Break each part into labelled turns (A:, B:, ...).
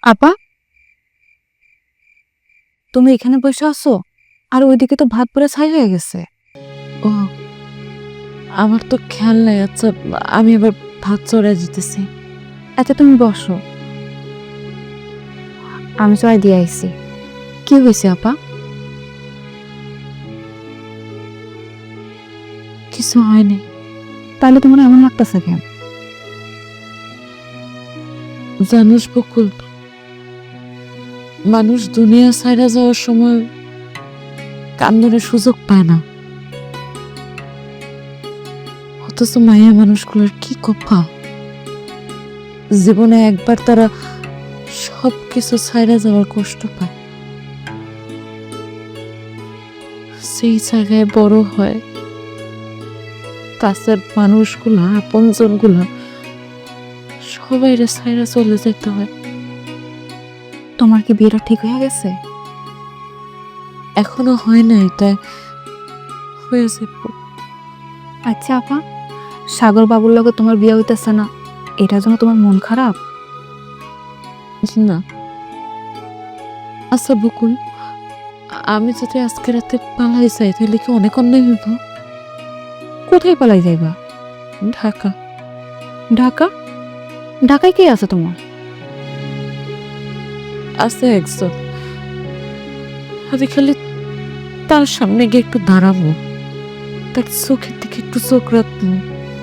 A: আপা, তুমি এখানে বসে আছো আর ওইদিকে তো ভাত পুরো ছাই হয়ে গেছে।
B: ও, আমার তো খেয়াল নাই। আচ্ছা, আমি এবার ভাত চড়াই দিতেছি।
A: আচ্ছা তুমি বসো, আমি চড়াই দিয়ে আইছি। কি হয়েছে আপা?
B: কিছু হয়নি।
A: তাহলে তোমার এমন লাগতেছে কেন?
B: জানুস বকুল, মানুষ দুনিয়া ছাইরা যাওয়ার সময় কান্দনের সুযোগ পায় না, অথচ মায়া মানুষগুলোর কি কপাল। জীবনে একবার তারা সব কিছু ছাইরা যাওয়ার কষ্ট পায়, সেই জায়গায় বড় হয়। কাছের মানুষগুলা, আপনজনগুলা সবাই ছাইরা চলে যেতে হয়।
A: তোমার কি বিয়েটা ঠিক হয়ে গেছে?
B: এখনো হয় নাই, তাই হয়ে যাবো।
A: আচ্ছা আপা, সাগর বাবুর লগে তোমার বিয়ে হইতেছে না, এটার জন্য তোমার মন খারাপ?
B: না। আচ্ছা বকুল, আমি যদি আজকে রাতে পালাই যাই তাহলে কি অনেক অন্যায় হইব?
A: কোথায় পালাই যাইবা?
B: ঢাকা।
A: ঢাকা? ঢাকায় কে আছে তোমার?
B: আছে একজন, আমি খালি তার সামনে গিয়ে একটু দাঁড়াবো, তার চোখের দিকে একটু চোখ রাখবো,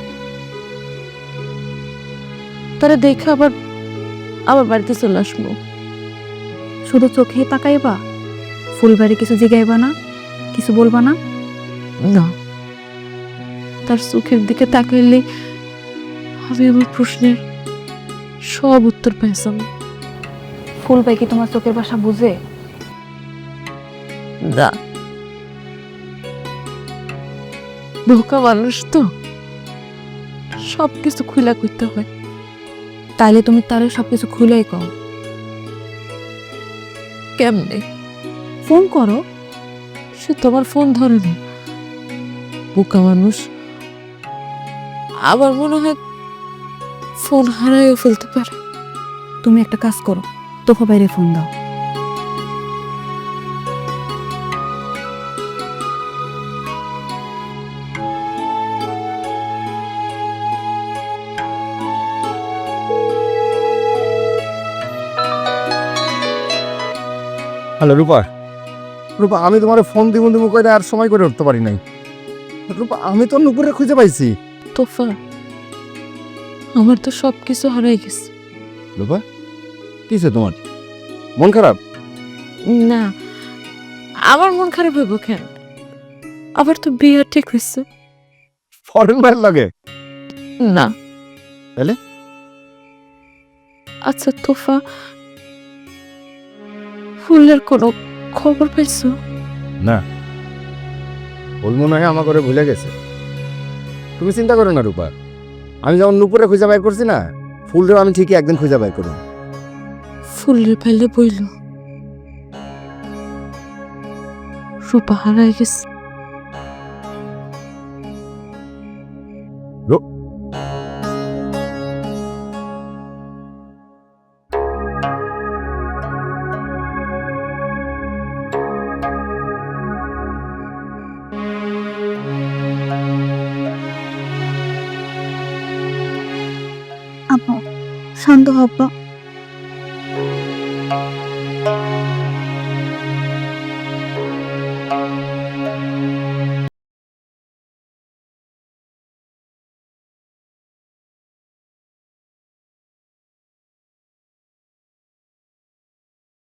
B: তারা দেখে আবার আবার বাড়িতে চলে আসবো।
A: শুধু চোখেই তাকাইবা? ফুলবাড়ি কিছু জিগাইবা না? কিছু বলবা না?
B: না, তার চোখের দিকে তাকাইলে আমি আমার প্রশ্নের সব উত্তর পাইতাম।
A: ফুলবাই কি তোমার চোখের ভাষা বুঝে?
B: না, বোকা মানুষ তো, সবকিছু খুলা করতে হয়।
A: তাইলে তুমি তারে সবকিছু খুলেই কও।
B: কেমনে?
A: ফোন করো।
B: সে তোমার ফোন ধরে না। বোকা মানুষ, আবার মনে হয় ফোন হারাইও ফেলতে পারে।
A: তুমি একটা কাজ করো, তোফা বাইরে ফোন দাও।
C: হ্যালো রূপা। রূপা, আমি তোমার ফোন দিব দিব করে আর সময় করে উঠতে পারি নাই। রূপা, আমি তো নুপুরে খুঁজে পাইছি।
B: তোফা, আমার তো সবকিছু হারাই গেছে।
C: রূপা, কিসে তোমার মন খারাপ?
B: না, আমার মন খারাপ হইব কেন? আবার তো বিয়ে ঠিক হয়েছে।
C: ফরেন ভাইয়ের লাগে?
B: না।
C: তাহলে?
B: আচ্ছা তোফা, ফুলের কোনো খবর পাইছো?
C: না, ওর মনে হয় আমার করে ভুলে গেছে। তুমি চিন্তা করো না রূপা, আমি যেমন নুপুরে খুঁজে বাই করছি না, ফুলরেও আমি ঠিকই একদিন খুঁজে বাই করব।
B: ফুলের পাইলে বইল রূপা হারাই গেছে।
A: আপা, শান্ত হও আপা।